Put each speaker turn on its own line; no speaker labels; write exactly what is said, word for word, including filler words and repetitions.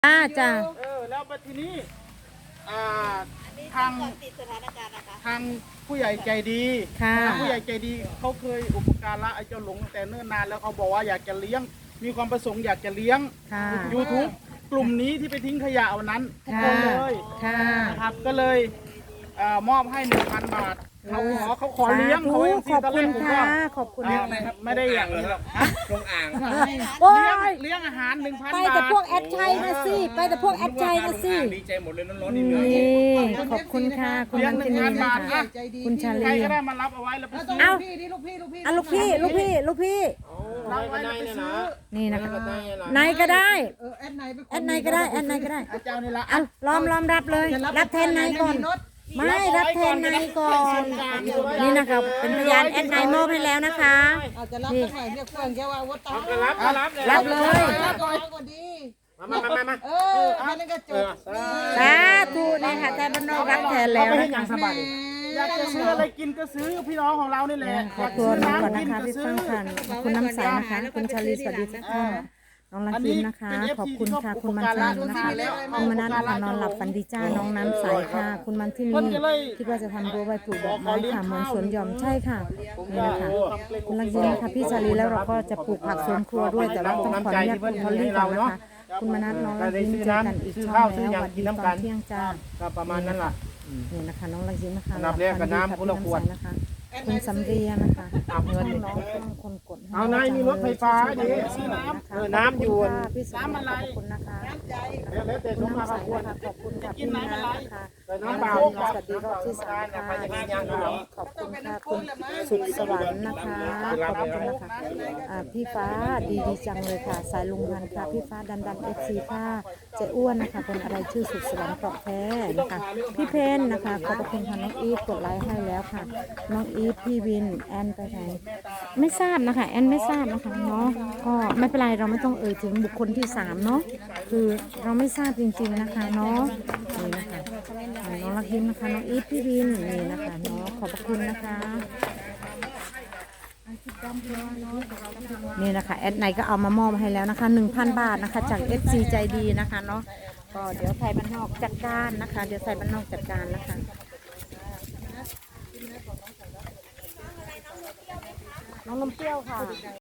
อ่าจ้า
เออแล้วมาทีนี้อ่าทางทางผู้ใหญ่ใจดีทางผู้ใหญ่ใจดีเขาเคยอุปการะไอ้เจ้าหลงแต่เนิ่นนานแล้วเขาบอกว่าอยากจะเลี้ยงมีความประสงค์อยากจะเลี้ยง YouTube กลุ่มนี้ที่ไปทิ้งขยะเอานั้นทุกคนเลยครับก็เลยมอบให้หนึ่งพันบาทเขาขอเขาขอเลี้ยงเขา
ขอบคุณค่ะขอบคุณ
นะครับไม่ได้อย่างนี้หรอกลงอ่าง
โอ้ย
เลี้ยงอาหารหนึ่งพันบาท
ไปแต่พวกแอดชัยนะสิไปแต่พวกแอดชัยนะสิ
ดีใจหมดเลยร้อนๆนี่เหนื่อย
ขอบคุณค่ะคุณนันทินีนะคะคุณชาลี
ใครก็ได้มารับเอาไว้แล้วไปซื้อ
เอาลูกพี่ลูกพี่ลูกพี่ลูกพี่ลูกพี่
รับไว้แล้วไปซื้อ
นี่นะคะไหนก็ได้แอดไหนก็ได้แอดไหนก็ได้
อาจารย์นี่ละ
อ่ะล้อมล้อมรับเลยรับแทนไหนก่อนไม่รับแทนนายก่อนนี่นะคะเป็นพยานแอดนายมอบให้แล้วนะคะนี่
รับรับ
รับเลย
มามามามา
เอออันนี้ก็จบ
สาธุนี่ค่ะแต่บ้านนอกรับแทนแล้วนะคะ
อยากจะซื้ออะไรกินก็ซื้อพี่น้องของเรานี่แหละ
ขอตัวน้องก่อนนะคะพี่ฟังค่ะคุณน้ำใสนะคะคุณชาลีสวัสดีทุกท่านน้องลังคิมนะคะขอบคุณค่ะคุณมันชันนะคะคุณมนัสนะคะนอนหลับฝันดีจ้าน้องน้ำใสค่ะคุณมันที่นี่คิดว่าจะทำรั้วไว้ปลูกดอกไม้ค่ะเหมือนสวนหย่อมใช่ค่ะนี่นะคะคุณลังคิมนะคะพี่ชาลีแล้วเราก็จะปลูกผักสวนครัวด้วยแต่เราต้องขออนุญาตคุณพอลลี่ก่อนนะคะคุณมนัสน้องลังคิมเจอกันอีกช่องแล้ววันดีตอนเที่ยงจ้า
ประมาณนั้นแหละ
นี่นะคะน้องลังคิมนะคะ
นับเรียกกับน้ำคุณละขวด
นะคะคุณสำเรียนะคะเงินน้องต้องคนกด
เอานายมีรถไฟฟ้าดิซื้อน้ำเออน้ำอยู่
น้ำอะไรขอบคุณนะคะ
แล้วแต่สมมาขอบคุณ
ขอบคุณค่ะพี่น้ำนะคะ
น้ำเปล่า
สวัสดีรอบที่สามค่ะขอบคุณค่ะคุณสุดสวรรค์นะคะขอบคุณนะคะพี่ฟ้าดีดีจังเลยค่ะสายลุงพันค่ะพี่ฟ้าดันดันเอฟซีค่ะเจ้อ้วนนะคะเป็นอะไรชื่อสุดสวรรค์เกาะแท้นะคะพี่เพนนะคะขอบคุณค่ะน้องอีฟกดไลค์ให้แล้วค่ะน้องอีฟพี่วินแอนไปไหนไม่ทราบนะคะแอนไม่ทราบนะคะเนาะก็ไม่เป็นไรเราไม่ต้องเอ่ยถึงบุคคลที่สามเนาะคือเราไม่ทราบจริงๆนะคะเนาะนี่นะคะน้องลักยิ้มนะคะน้องอีฟพี่วินนี่นะคะเนาะขอบคุณนะคะนี่นะคะแอดไนก็เอามามอบให้แล้วนะคะหนึ่งพันบาทนะคะจาก เอฟ ซี ใจดีนะคะเนาะก็เดี๋ยวไทยบ้านนอกจัดการนะคะเดี๋ยวไทยบ้านนอกจัดการนะคะน้องนมเปรี้ยวค่ะ